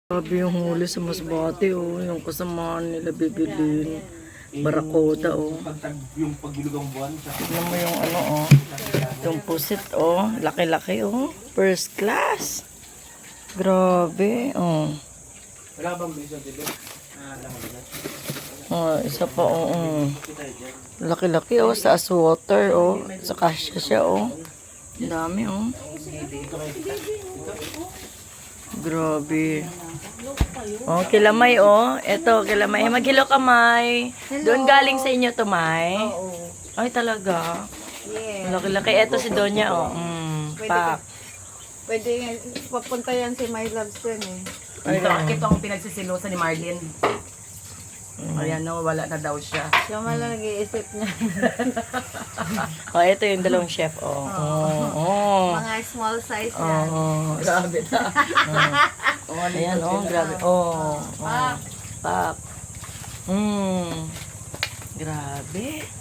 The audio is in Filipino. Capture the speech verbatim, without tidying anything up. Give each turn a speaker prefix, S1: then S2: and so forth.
S1: Grabe yung huli sa Masbate, oh. Yung kasamaan nila bibilin. Barakuda, oh.
S2: Yung pagbilugang buwan.
S1: Tignan mo yung ano, oh. Yung pusit, oh. Laki-laki, oh. First class. Grabe, oh.
S2: Wala bang bisa dito? Ah, lang dito.
S1: Oh, isa pa, oh. oh. Laki-laki, oh. Sa water, oh. Sa kasya siya, oh. Ang dami, oh. Grabe. Oh, kilamay, oh. Ito, kilamay. Maghilo ka, May. Doon galing sa inyo to, May.
S3: Oo.
S1: Ay, talaga.
S3: Yeah.
S1: Laki-laki. Ito si Donya, oh. Mm,
S3: Pwede,
S1: pak.
S3: pwede papunta yan si My Loves dun eh.
S1: Ay,
S4: Ito, ito ang pinagsisilosa ni Marlene. Ayan, no, wala na daw siya.
S3: Siya man lang nag-iisip niya.
S1: Oh, ito yung dalawang chef, oh. Oh, oh.
S3: Mga small size yan.
S1: Oh,
S4: Grabe na.
S1: oh. Ayan, oh. Grabe. Oh. oh. Pak. Mm. Grabe.